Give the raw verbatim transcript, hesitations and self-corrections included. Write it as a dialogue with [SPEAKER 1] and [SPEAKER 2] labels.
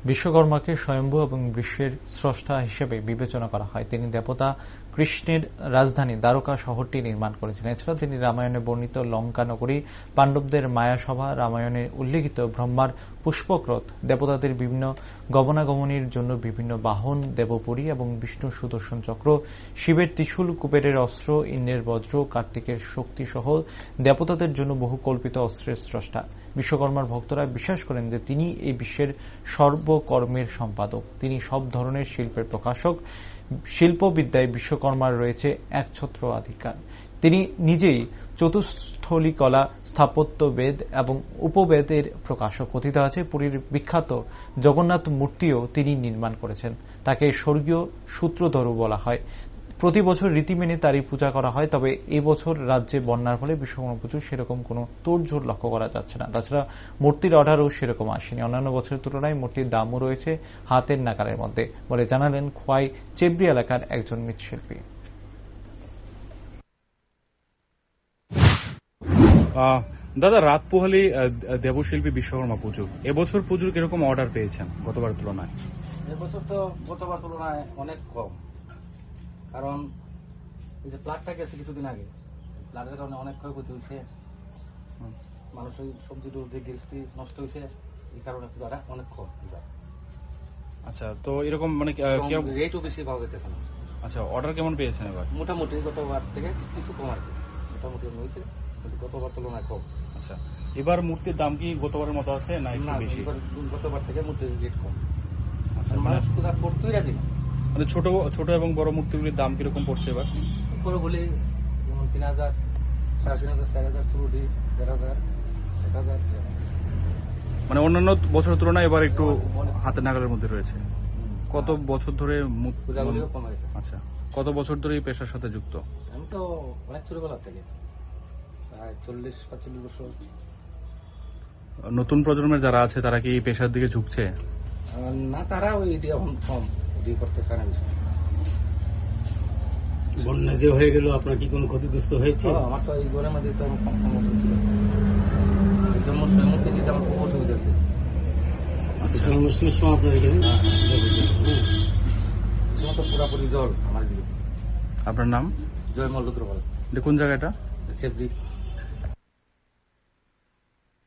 [SPEAKER 1] বিশ্বকর্মাকে স্বয়ম্ভু এবং বিশ্বের স্রষ্টা হিসেবে বিবেচনা করা হয়। তিনি দেবতা কৃষ্ণের রাজধানী দ্বারকা শহরটি নির্মাণ করেছিলেন। এছাড়া তিনি রামায়ণে বর্ণিত লঙ্কা নগরী, পাণ্ডবদের মায়াসভা, রামায়ণে উল্লেখিত ব্রহ্মার পুষ্পক্রত, দেবতাদের বিভিন্ন গমনাগমনের জন্য বিভিন্ন বাহন, দেবপুরী এবং বিষ্ণু সুদর্শন চক্র, শিবের ত্রিশূল, কুবেরের অস্ত্র, ইন্দ্রের বজ্র, কার্তিকের শক্তি সহ দেবতাদের জন্য বহু কল্পিত অস্ত্রের স্রষ্টা। বিশ্বকর্মার ভক্তরা বিশ্বাস করেন যে তিনি এই বিশ্বের সর্বকর্মের সম্পাদক। তিনি সব ধরনের শিল্পের প্রকাশক। শিল্পবিদ্যায় বিশ্বকর্মার রয়েছে একছত্র অধিকার। তিনি নিজেই চতুস্থলী কলা, স্থাপত্য বেদ এবং উপবেদের প্রকাশক। কথিত আছে পুরীর বিখ্যাত জগন্নাথ মূর্তিও তিনি নির্মাণ করেছেন। তাকে স্বর্গীয় সূত্রধর বলা হয়। প্রতি বছর রীতি মেনে তারই পূজা করা হয়। তবে এবছর রাজ্যে বন্যার ফলে বিশ্বকর্মা পুজো সেরকম কোনো তোড়জোড় লক্ষ্য করা যাচ্ছে না। তাছাড়া মূর্তির অর্ডারও সেরকম আসেনি। অন্যান্য বছরের তুলনায় মূর্তির দামও রয়েছে হাতের নাগালের মধ্যে বলে জানালেন খোয়াই চেবরি এলাকার একজন মৃৎশিল্পী।
[SPEAKER 2] দাদা, রাত পোহালি দেবশিল্পী বিশ্বকর্মা পুজো, এবছর পুজোর কিরকম অর্ডার পেয়েছেন গতবার তুলনায়?
[SPEAKER 3] এবছর তো গতবার তুলনায় অনেক কম, কারণ এই যে প্লাটটা গেছে কিছুদিন আগে, প্লাটের কারণে অনেক ক্ষয়ক্ষতি হয়েছে, মানুষের সবজি টবজি গৃহস্থী নষ্ট হয়েছে, এই কারণে পূজাটা অনেক কম।
[SPEAKER 2] আচ্ছা, তো এরকম মানে
[SPEAKER 3] রেটও বেশি পাওয়া যেতেছে না।
[SPEAKER 2] আচ্ছা, অর্ডার কেমন পেয়েছেন এবার?
[SPEAKER 3] মোটামুটি গতবার থেকে কিছু কম আর কি, মোটামুটি হয়েছে, কিন্তু গতবার তুলনায় কম।
[SPEAKER 2] আচ্ছা, এবার মূর্তির দাম কি গতবারের মতো আছে না একটু বেশি?
[SPEAKER 3] গতবার থেকে মূর্তির রেট কম।
[SPEAKER 2] আচ্ছা,
[SPEAKER 3] মানুষ পূজা করতেই রাজি না।
[SPEAKER 2] মানে ছোট ছোট এবং বড় মূর্তিগুলির দাম কিরকম পড়ছে এবার?
[SPEAKER 3] বড় বলি যেমন তিন হাজার, সাড়ে তিন হাজার, চার হাজার, শুরু দিই দেড় হাজার, এক হাজার।
[SPEAKER 2] মানে অন্যান্য বছরের তুলনায় এবার একটু হাতের নাগালের মধ্যে রয়েছে। কত বছর ধরে
[SPEAKER 3] পূজাগুলিও কম হয়েছে?
[SPEAKER 2] আচ্ছা, কত বছর ধরে এই পেশার সাথে যুক্ত?
[SPEAKER 3] আমি তো অনেক ছোটবেলা থেকে, প্রায় চল্লিশ পঁয়তাল্লিশ বছর।
[SPEAKER 2] নতুন প্রজন্মের যারা আছে তারা কি এই পেশার দিকে ঝুঁকছে?
[SPEAKER 3] না, তারা ওই এখন কম ওই করতে চায় না বেশি।
[SPEAKER 4] বন্যা যে হয়ে গেল, আপনার কি কোনো ক্ষতিগ্রস্ত হয়েছে?
[SPEAKER 3] আমার তো এই ঘরের মধ্যে তো কম সমস্যা ছিল, এই জন্য সৈমূর্তি দিতে আমার খুব অসুবিধা আছে।
[SPEAKER 4] অনুষ্ঠানের সময় আপনার এখানে
[SPEAKER 3] তো পুরাপুরি জল আমার দিকে।
[SPEAKER 2] আপনার নাম?
[SPEAKER 3] জয়মল রুদ্রপাল।
[SPEAKER 2] কোন জায়গাটা?
[SPEAKER 3] চেবরি।